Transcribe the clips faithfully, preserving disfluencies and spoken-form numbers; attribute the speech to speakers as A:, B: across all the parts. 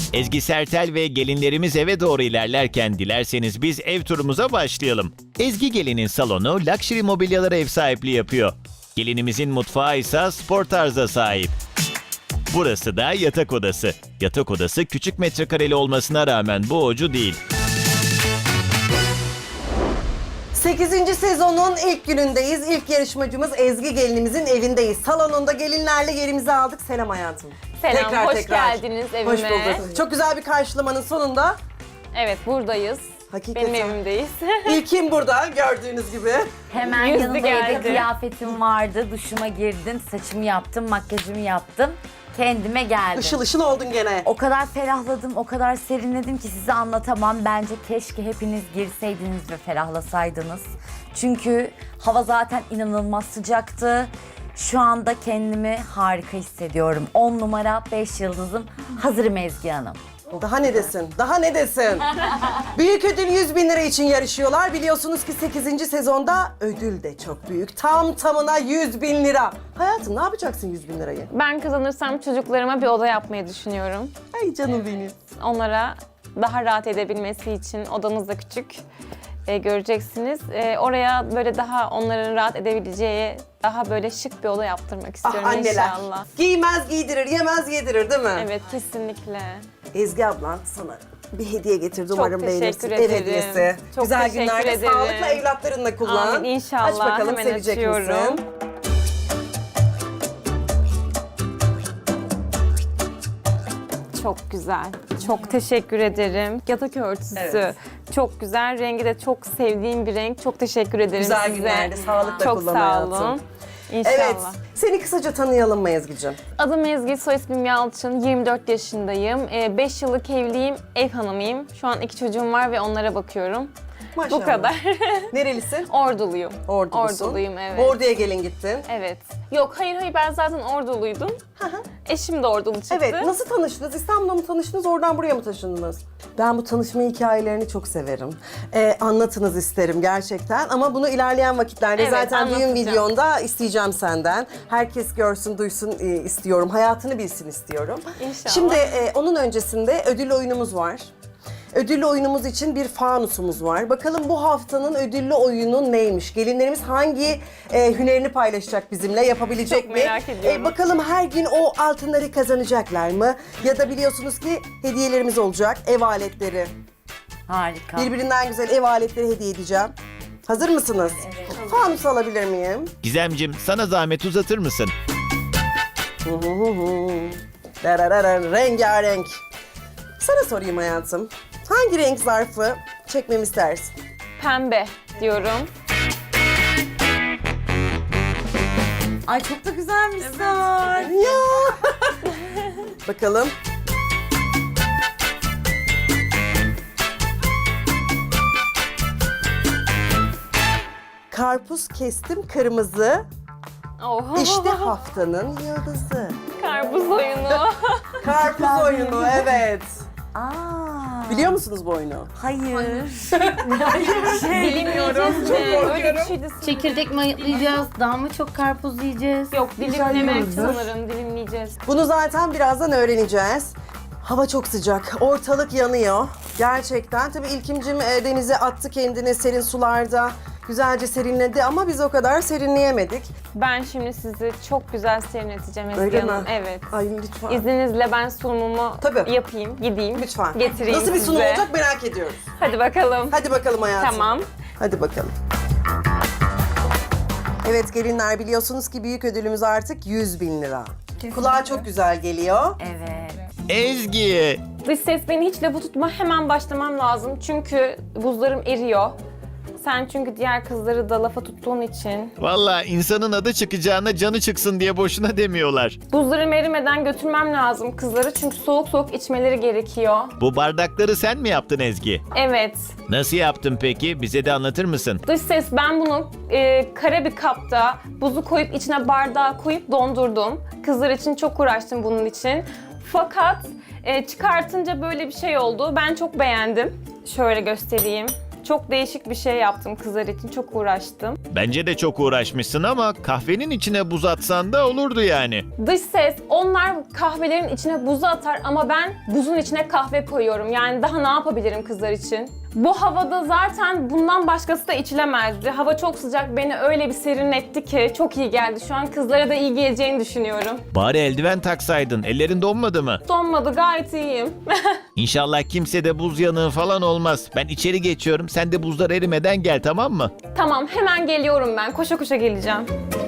A: Ezgi Sertel ve gelinlerimiz eve doğru ilerlerken dilerseniz biz ev turumuza başlayalım. Ezgi gelinin salonu Luxury Mobilyalara ev sahipliği yapıyor. Gelinimizin mutfağı ise spor tarza sahip. Burası da yatak odası. Yatak odası küçük metrekareli olmasına rağmen boğucu değil.
B: sekizinci sezonun ilk günündeyiz. İlk yarışmacımız Ezgi gelinimizin evindeyiz. Salonunda gelinlerle yerimizi aldık. Selam hayatım.
C: Selam, hoş geldiniz evime.
B: Hoş bulduk. Çok güzel bir karşılamanın sonunda
C: Evet, buradayız.
B: hakikaten
C: Benim evimdeyiz.
B: İlkim burada gördüğünüz gibi.
D: Hemen
C: Yüzdü
D: yanında
C: geldi.
D: evde kıyafetim vardı. Duşuma girdim, saçımı yaptım, makyajımı yaptım. Kendime geldim.
B: Işıl ışıl oldun gene.
D: O kadar ferahladım, o kadar serinledim ki size anlatamam. Bence keşke hepiniz girseydiniz ve ferahlasaydınız. Çünkü hava zaten inanılmaz sıcaktı. Şu anda kendimi harika hissediyorum. on numara, beş yıldızım. Hazırım Ezgi Hanım.
B: Daha ne desin? Daha ne desin? Büyük ödül yüz bin lira için yarışıyorlar. Biliyorsunuz ki sekizinci sezonda ödül de çok büyük. Tam tamına yüz bin lira. Hayatım ne yapacaksın yüz bin lirayı?
C: Ben kazanırsam çocuklarıma bir oda yapmayı düşünüyorum.
B: Ay canım benim.
C: Onlara daha rahat edebilmesi için odamız da küçük. Ee, göreceksiniz. Ee, oraya böyle daha onların rahat edebileceği daha böyle şık bir oda yaptırmak istiyorum
B: Ah anneler.
C: inşallah.
B: Giymez giydirir, yemez yedirir değil mi?
C: Evet, kesinlikle.
B: Ezgi ablan sana bir hediye getirdi. Umarım
C: teşekkür
B: beğenirsin. Ev
C: ederim.
B: hediyesi.
C: Çok
B: Güzel
C: teşekkür
B: günlerde
C: ederim.
B: sağlıkla evlatlarınla kullan.
C: Amin, inşallah.
B: Aç bakalım
C: Hemen
B: sevecek
C: açıyorum.
B: misin?
C: Çok güzel. Çok teşekkür ederim. Yatak örtüsü.
B: Evet.
C: Çok güzel. Rengi de çok sevdiğim bir renk. Çok teşekkür ederim
B: Güzel
C: size.
B: günlerde sağlıkla
C: Çok
B: kullan
C: sağ
B: hayatım.
C: olun. İnşallah.
B: Evet. Seni kısaca tanıyalım mı Ezgi'cim?
C: Adım Ezgi, soy ismim Yalçın. yirmi dört yaşındayım. beş yıllık evliyim, ev hanımıyım. Şu an iki çocuğum var ve onlara bakıyorum.
B: Maşallah.
C: Bu kadar.
B: Nerelisin?
C: Orduluyum.
B: Ordulusun.
C: Orduluyum, evet.
B: Ordu'ya gelin gittin.
C: Evet. Yok, hayır hayır, ben zaten Orduluydum. Eşim de Ordulu çıktı.
B: Evet, nasıl tanıştınız? İstanbul'da mı tanıştınız, oradan buraya mı taşındınız? Ben bu tanışma hikayelerini çok severim. Ee, anlatınız isterim gerçekten ama bunu ilerleyen vakitlerde
C: Evet,
B: zaten düğün
C: anlatacağım.
B: videonda isteyeceğim senden. Herkes görsün, duysun e, istiyorum. Hayatını bilsin istiyorum.
C: İnşallah.
B: Şimdi e, onun öncesinde ödüllü oyunumuz var. Ödüllü oyunumuz için bir fanusumuz var. Bakalım bu haftanın ödüllü oyunu neymiş? Gelinlerimiz hangi e, hünerini paylaşacak bizimle, yapabilecek
C: Çok
B: mi?
C: merak ediyorum.
B: E, bakalım her gün o altınları kazanacaklar mı? Ya da biliyorsunuz ki hediyelerimiz olacak, ev aletleri.
D: Harika.
B: Birbirinden güzel ev aletleri hediye edeceğim. Hazır mısınız? Evet. Fanus alabilir miyim?
A: Gizemcim sana zahmet uzatır mısın?
B: Hı hı hı hı. Dararara, rengarenk. Sana sorayım hayatım. Hangi renk zarfı çekmemi istersin?
C: Pembe diyorum.
D: Ay çok da güzelmiş Sar.
B: Ya. Bakalım. Karpuz kestim kırmızı.
C: Oh.
B: İşte haftanın yıldızı.
C: Karpuz oyunu.
B: Karpuz oyunu evet.
D: Aa.
B: Biliyor musunuz bu oyunu?
D: Hayır.
C: Dilimleyeceğiz mi? Öyle bir şeydi.
E: Çekirdek mi yiyeceğiz? Daha mı çok karpuz yiyeceğiz?
C: Yok, dilimlemek
B: yoldur.
C: sanırım. Dilimleyeceğiz.
B: Bunu zaten birazdan öğreneceğiz. Hava çok sıcak, ortalık yanıyor. Gerçekten. Tabii İlkimcim e, denize attı kendini serin sularda. Güzelce serinledi ama biz o kadar serinleyemedik.
C: Ben şimdi sizi çok güzel serinleteceğim Ezgi
B: Öyle
C: Hanım.
B: mi?
C: Evet.
B: Ay lütfen.
C: İzninizle ben sunumumu
B: Tabii.
C: yapayım, gideyim.
B: Lütfen.
C: Getireyim
B: Nasıl bir
C: size.
B: sunum olacak merak ediyoruz.
C: Hadi bakalım.
B: Hadi bakalım hayatım.
C: Tamam.
B: Hadi bakalım. Evet gelinler biliyorsunuz ki büyük ödülümüz artık yüz bin lira. Kulağa çok güzel geliyor.
D: Evet.
A: Ezgi!
C: Dış ses beni hiç lafı tutma. Hemen başlamam lazım. Çünkü buzlarım eriyor. Sen çünkü diğer kızları da lafa tuttuğun için.
A: Valla insanın adı çıkacağına canı çıksın diye boşuna demiyorlar.
C: Buzlarım erimeden götürmem lazım kızları. Çünkü soğuk soğuk içmeleri gerekiyor.
A: Bu bardakları sen mi yaptın Ezgi?
C: Evet.
A: Nasıl yaptın peki? Bize de anlatır mısın?
C: Dış ses ben bunu e, kare bir kapta buzu koyup içine bardağı koyup dondurdum. Kızlar için çok uğraştım bunun için. Fakat e, çıkartınca böyle bir şey oldu. Ben çok beğendim. Şöyle göstereyim. Çok değişik bir şey yaptım kızlar için. Çok uğraştım.
A: Bence de çok uğraşmışsın ama kahvenin içine buz atsan da olurdu yani.
C: Dış ses, onlar kahvelerin içine buzu atar ama ben buzun içine kahve koyuyorum. Yani daha ne yapabilirim kızlar için? Bu havada zaten bundan başkası da içilemezdi. Hava çok sıcak, beni öyle bir serinletti ki çok iyi geldi. Şu an kızlara da iyi geleceğini düşünüyorum.
A: Bari eldiven taksaydın. Ellerin donmadı mı?
C: Donmadı, gayet iyiyim.
A: İnşallah kimsede buz yanığı falan olmaz. Ben içeri geçiyorum. Sen de buzlar erimeden gel, tamam mı?
C: Tamam, hemen geliyorum ben. Koşa koşa geleceğim.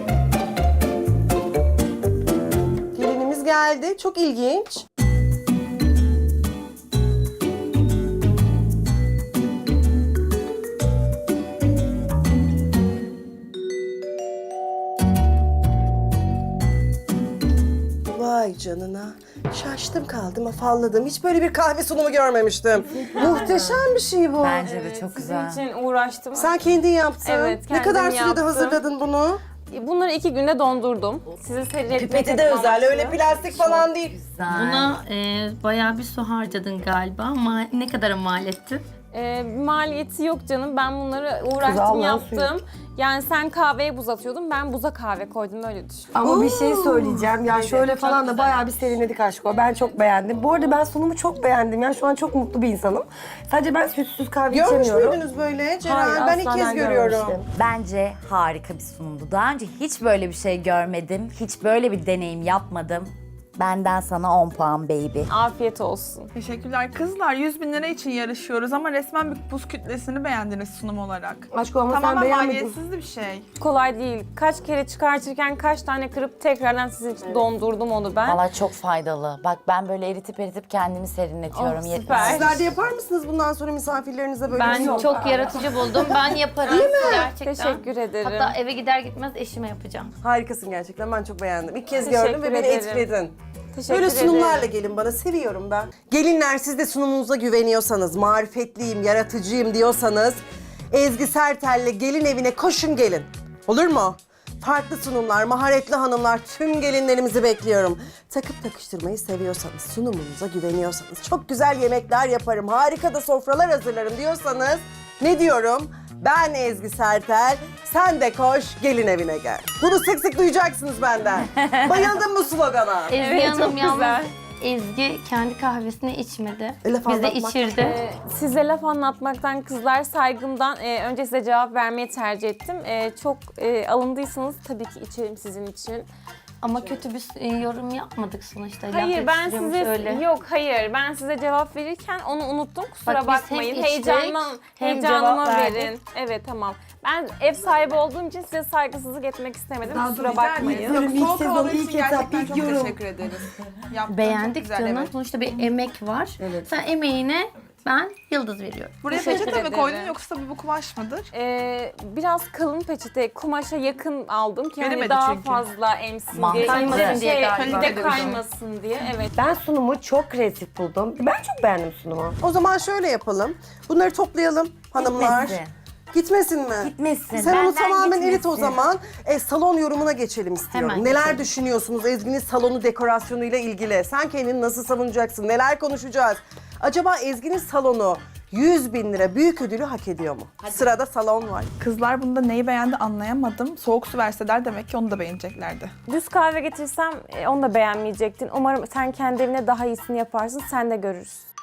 B: Gelinimiz geldi. Çok ilginç. Vay canına. Şaştım kaldım, afalladım. Hiç böyle bir kahve sunumu görmemiştim. Muhteşem bir şey bu.
D: Bence de
C: Evet,
D: çok
C: sizin
D: güzel.
C: için uğraştım.
B: Sen kendin yaptın.
C: Evet,
B: Ne kadar
C: kendim
B: sürede
C: yaptım.
B: hazırladın bunu?
C: Bunları iki günde dondurdum. Sizi seyretmek
B: Pipeti de özel, öyle plastik falan değil.
E: Buna e, bayağı bir su harcadın galiba ama ne kadar mal etti?
C: Ee, maliyeti yok canım. Ben bunları uğraştım,
B: Allah'ın
C: yaptım. Yani sen kahveye buz atıyordun, ben buza kahve koydum, öyle düşün.
F: Ama bir şey söyleyeceğim. Ya şöyle falan da bayağı bir serinledik aşko. Ben çok beğendim. Bu arada ben sunumu çok beğendim. Yani şu an çok mutlu bir insanım. Sadece ben sütsüz kahve
B: Görmüş
F: içemiyorum.
B: müydünüz böyle Ceren?
F: Hayır,
B: ben ilk
F: asla
B: kez
F: ben
B: görüyorum.
F: görmemiştim.
D: Bence harika bir sunumdu. Daha önce hiç böyle bir şey görmedim. Hiç böyle bir deneyim yapmadım. Benden sana on puan baby.
C: Afiyet olsun.
G: Teşekkürler. Kızlar yüz bin lira için yarışıyoruz ama resmen bir buz kütlesini beğendiniz sunum olarak.
F: Aşko ama sen
G: Tamamen
F: beğenmedin.
G: maliyetsiz bir şey.
C: Kolay değil. Kaç kere çıkartırken kaç tane kırıp tekrardan sizin için dondurdum onu ben.
D: Valla çok faydalı. Bak ben böyle eritip eritip kendimi serinletiyorum.
C: Oh,
D: Yetmez.
C: süper.
B: Sizler de yapar mısınız bundan sonra misafirlerinize böyle
E: Ben
B: bir şey?
E: çok yaratıcı buldum. Ben yaparım. Gerçekten.
C: Teşekkür ederim.
E: Hatta eve gider gitmez eşime yapacağım.
B: Harikasın gerçekten, ben çok beğendim. İlk kez
C: Teşekkür
B: gördüm ve beni
C: ederim.
B: etkiledin.
C: Teşekkür
B: Böyle sunumlarla
C: ederim.
B: gelin bana, seviyorum ben. Gelinler, siz de sunumunuza güveniyorsanız, marifetliyim, yaratıcıyım diyorsanız Ezgi Sertel'le gelin evine koşun gelin. Olur mu? Farklı sunumlar, maharetli hanımlar, tüm gelinlerimizi bekliyorum. Takıp takıştırmayı seviyorsanız, sunumunuza güveniyorsanız, çok güzel yemekler yaparım, harika da sofralar hazırlarım diyorsanız ne diyorum? Ben Ezgi Sertel, sen de koş gelin evine gel. Bunu sık sık duyacaksınız benden. Bayıldım bu slogana.
E: Ezgi
C: Evet,
E: Hanım
C: çok
E: yalnız
C: güzel.
E: Ezgi kendi kahvesini içmedi.
B: E, laf
E: Bize
B: anlatmak.
E: içirdi.
C: Ee, size laf anlatmaktan, kızlar saygımdan e, önce size cevap vermeyi tercih ettim. E, çok e, alındıysanız tabii ki içerim sizin için.
E: Ama kötü bir e, yorum yapmadık sonuçta. Laf
C: Hayır, ben
E: yetiştiriyormuş
C: size
E: öyle.
C: yok hayır ben size cevap verirken onu unuttum, kusura
E: Bak biz
C: bakmayın.
E: hem içtik,
C: Heyecanlan,
E: hem
C: heyecanıma
E: cevap verdik.
C: verin. Evet, tamam. Ben ev sahibi olduğum için size saygısızlık etmek istemedim. Kusura bakmayın.
F: Yorum,
G: Yok,
F: ilk
G: soğuk
F: sezon,
G: havalar
F: ilk
G: için
F: etap,
G: gerçekten
F: ilk
G: çok
F: yorum.
G: teşekkür ederiz. Yaptığın
E: Beğendik
G: çok güzel,
E: canım.
G: evet.
E: Sonuçta bir emek var. Sen emeğine ben yıldız veriyorum.
G: Buraya
C: Teşekkür
G: peçete mi
C: ederim.
G: koydun yoksa bu kumaş mıdır?
C: Ee, biraz kalın peçete, kumaşa yakın aldım ki hani
G: Veremedi
C: daha
G: çünkü.
C: fazla emsin
D: Mantıklı.
C: diye.
E: Kaymasın
C: İnce
E: diye
C: şey,
E: galiba.
C: bir de
G: Kaliteli bir şey.
C: kaymasın diye. Evet.
F: Ben sunumu çok kreatif buldum. Ben çok beğendim sunumu.
B: O zaman şöyle yapalım. Bunları toplayalım hanımlar.
D: Gitmesin.
B: Gitmesin mi?
D: Gitmesin.
B: Sen onu
D: Benden
B: tamamen erit o
D: gitmesin.
B: zaman. E, salon yorumuna geçelim istiyorum.
E: Hemen
B: Neler
E: geçelim.
B: düşünüyorsunuz Ezgi'nin salonu dekorasyonuyla ilgili? Sen kendini nasıl savunacaksın? Neler konuşacağız? Acaba Ezgi'nin salonu yüz bin lira büyük ödülü hak ediyor mu? Sırada salon var.
G: Kızlar bunda neyi beğendi anlayamadım. Soğuk su verseler demek ki onu da beğeneceklerdi.
C: Düz kahve getirsem e, onu da beğenmeyecektin. Umarım sen kendi evine daha iyisini yaparsın, sen de görürsün.